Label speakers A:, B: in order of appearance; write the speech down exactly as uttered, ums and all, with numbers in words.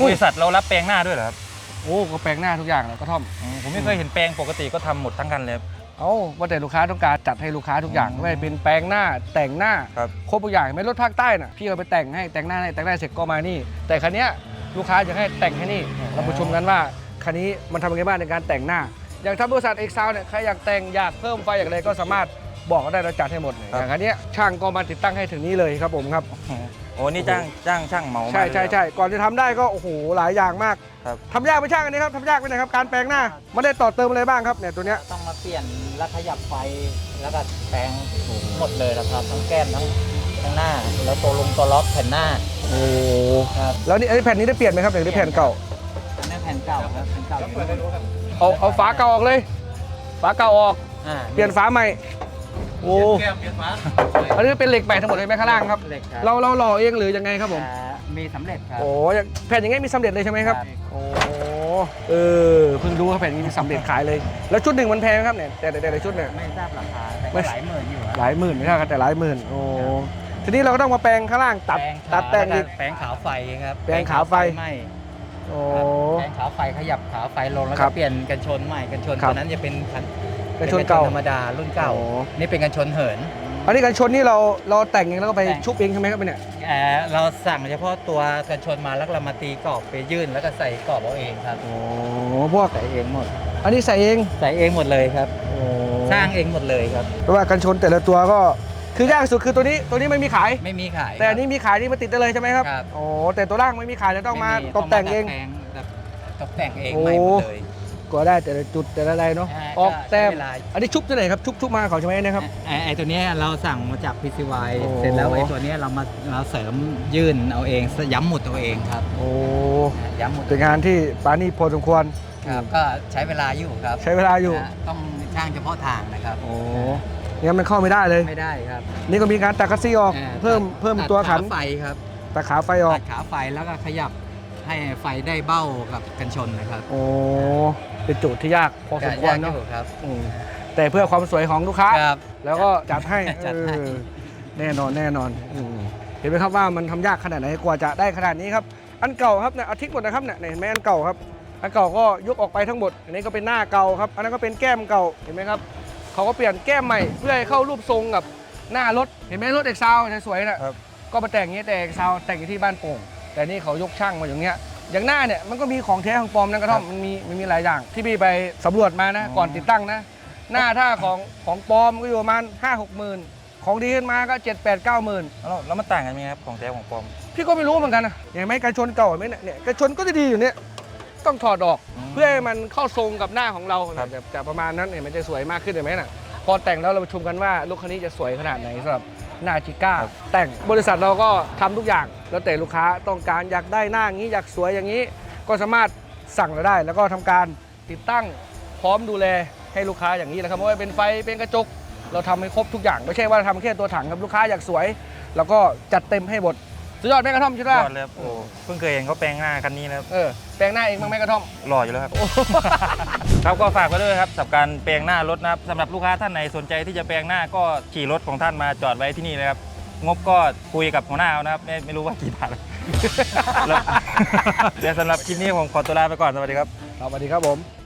A: บริษัทเรารับแปลงหน้าด้วยเหรอครับ
B: โอ้ก็แปลงหน้าทุกอย่างเลยกระท่อม
A: ผมไม่เคยเห็นแปลงปกติก็ทำหมดทั้งคันเลย
B: เอ้าว่าแต่ลูกค้าต้องการจัดให้ลูกค้าทุกอย่างไม่ว่าเป็นแปลงหน้าแต่งหน้าครบทุกอย่างไม่รถภาคใต้น่ะพี่เอาไปแต่งให้แต่งหน้าให้แต่งหน้าเสร็จก็มานี่แต่คันนี้ลูกค้าจะให้แต่งให้นี่เราประชุมกันว่าคันนี้มันทำยังไงบ้างในการแต่งหน้าอย่างทำบริษัทเอ็กซาวเนี่ยใครอยากแต่งอยากเพิ่มไฟอยากอะไรก็สามารถบอกได้เราจัดให้หมดอย่างคันนี้ช่างก็มาติดตั้งให้ถึงนี้เลยครับผมครับ
A: โอ้นี่จ้างจ้างช่างเหมา
B: ใช่ใช่ใช่ก่อนจะทำได้ก็โอ้โหหลายอย่างมากทำยากไม่ช่างอันนี้ครับทำยากไปไหนครับการแปลงหน้าไม่ได้ต่อเติมอะไรบ้างครับเนี่ยตัวเนี้ย
C: ต้องมาเปลี่ยนแล้วขยับไฟแล้วก็แปลงหมดเลยนะครับทั้งแก้มทั้งทั้งหน้าแล้วตัวลงตัวล็อกแผ่นหน้า
B: โอ้
C: ครับ
B: แล้วนี่แผ่นนี้ได้เปลี่ยนไหมครับหรือได้แผ่นเก่า
C: อันนี้แผ่นเก่าครับแผ่นเก่า
B: เอาเอาฝาเก่าออกเลยฝาเก่าออกเปลี่ยนฝาใหม่โอ้อันนี้เป็นเหล็กใหม่ทั้งหมดเลยไหมข้างล่างครับเราเราหล่อเองหรือยังไงครับผม
C: มีสำเร็จครับ
B: โอ้แผ่นอย่างงี้มีสำเร็จเลยใช่ไหมครับโอ้เออเพิ่งรู้ว่าแผ่นนี้มีสำเร็จขายเลยแล้วชุดหนึ่งมันแพงครับเนี่ยแต่แต่แต่ชุดเนี่ย
C: ไม่ทราบราคาแต่หลายหมื่นอยู่
B: หลายหมื่นไม่ใช่ครับแต่หลายหมื่นโอ้ทีนี้เราก็ต้องมาแปลงข้างล่างตัดตัดแต่งอีก
C: แปลงขาวไฟครับ
B: แปลงขาวไฟ
C: ไม่
B: โอ้
C: แปลงขาวไฟขยับขาวไฟลงแล้วก็เปลี่ยนกันชนใหม่กันชนตัวนั้นจะเป็น
B: กันชนเก่า
C: ธรรมดารุ่นเก่านี่เป็นกันชนเหิน
B: อันนี้กันชนนี่เราเราแต่งเองแล้วก็ไปชุบเองใช่ไหมครับเนี่ย
C: เราสั่งเฉพาะตัวกันชนมาแล้วเรามาตีกรอบไปยื่นแล้วก็ใส่กรอบเอาเองครับ
B: โอ้พวก
C: ใส่เองหมด
B: อันนี้ใส่เอง
C: ใส่เองหมดเลยครับสร้างเองหมดเลยครับ
B: เพราะว่ากันชนแต่ละตัวก็คือยากสุดคือตัวนี้ตัวนี้ไม่มีขาย
C: ไม่มีขาย
B: แต่อันนี้มีขายนี่มาติดได้เลยใช่ไหมครับโอ้แต่ตัวล่างไม่มีขายจะต้องมาตกแต่งเอง
C: ตกแต่งเองใหม่หมดเลย
B: ก็ได้แต่ละจุดแต่ละอะไรเนาะออกแต้มอันนี้ชุบที่ไหนครับชุบชุบมาเขาใช่ไหมนะครับ
C: ไอ้ตัวนี้เราสั่งมาจาก พี ซี วาย เสร็จแล้วไอ้ตัวนี้เรามาเราเสริมยื่นเอาเองย้ำหมุดเอาเองครับ
B: โอ้
C: ย้ำหมุด
B: เป็นงานที่ปานี่พอสมควร
C: ครับก็ใช้เวลาอยู่ครับ
B: ใช้เวลาอยู่
C: ต้องช่างเฉพาะทางนะครับ
B: โอ้เนี่ยมันเข้าไม่ได้เลย
C: ไม่ได้ครับ
B: นี่ก็มีการตัดคัสซี่ออกเพิ่มเพิ่มตัวขัน
C: ไฟครับ
B: ตัดขาไฟออก
C: ตัดขาไฟแล้วก็ขยับให้ไฟได้เบ้ากับกันชนนะครับ
B: โอ้เป็นจุดที่ยากพอสมควรเนาะ
C: ครับ
B: แต่เพื่อความสวยของลูกค้าแล้วก็จัดให้
C: จัดให้
B: แน่นอนแน่นอนเห็นไหมครับว่ามันทำยากขนาดไหนกว่าจะได้ขนาดนี้ครับอันเก่าครับเนี่ยอาทิตย์หมดนะครับเนี่ยเห็นไหมอันเก่าครับอันเก่าก็ยกออกไปทั้งหมดอันนี้ก็เป็นหน้าเก่าครับอันนั้นก็เป็นแก้มเก่าเห็นไหมครับเขาก็เปลี่ยนแก้มใหม่เพื่อให้เข้ารูปทรงกับหน้ารถเห็นไหมรถเอกซาวสวยๆนะก็มาแต่งอย่างนี้แต่เอกซาวแต่งที่บ้านโป่งแต่นี่เขายกช่างมาอย่างเงี้ยอย่างหน้าเนี่ยมันก็มีของแท้ของปลอมนะกระท่อมมันมีมันมีหลายอย่างที่พี่ไปสำรวจมานะก่อนติดตั้งนะหน้าถ้าของของปลอมก็อยู่ประมาณห้าหกหมื่นของดีขึ้นมาก็เจ็ดแปดเก้าหมื่น
A: แล้วมันต่างกันไหมครับของแท้ของปลอม
B: พี่ก็ไม่รู้เหมือนกันนะอย่างไหมการชนเก่าไหมเนี่ยการชนก็จะดีอยู่เนี่ยต้องถอดออกเพื่อให้มันเข้าทรงกับหน้าของเราจะประมาณนั้นเนี่ยมันจะสวยมากขึ้นเห็นไหมน่ะพอแต่งแล้วเราประชุมกันว่ารถคันนี้จะสวยขนาดไหนสำหรับหน้าจิก้าแต่งบริษัทเราก็ทำทุกอย่างแล้วแต่ลูกค้าต้องการอยากได้หน้าอย่างนี้อยากสวยอย่างนี้ก็สามารถสั่งเราได้แล้วก็ทำการติดตั้งพร้อมดูแลให้ลูกค้าอย่างนี้นะครับไม่ว่าเป็นไฟเป็นกระจกเราทำให้ครบทุกอย่างไม่ใช่ว่าทำแค่ตัวถังครับลูกค้าอยากสวยแล้วก็จัดเต็มให้หมดสุดยอดแม่กระท่อมใช่ไหม
A: ยอดเลยโอ้เพิ่งเคยเห็นเขาแปลงหน้าคันนี้นะครับ
B: เออแปลงหน้าเองบ้างแม่กระท่อม
A: หล่ออยู่แล้วครับครับก็ฝากไว้ด้วยครับสำหรับการแปลงหน้ารถนะครับสำหรับลูกค้าท่านไหนสนใจที่จะแปลงหน้าก็ขี่รถของท่านมาจอดไว้ที่นี่เลยครับงบก็คุยกับหัวหน้าเอานะครับไม่ไม่รู้ว่ากี่บาทเดี๋ยวสำหรับคลิปนี้ผมขอตัวลาไปก่อนสวัสดีครับ
B: สวัสดีครับผม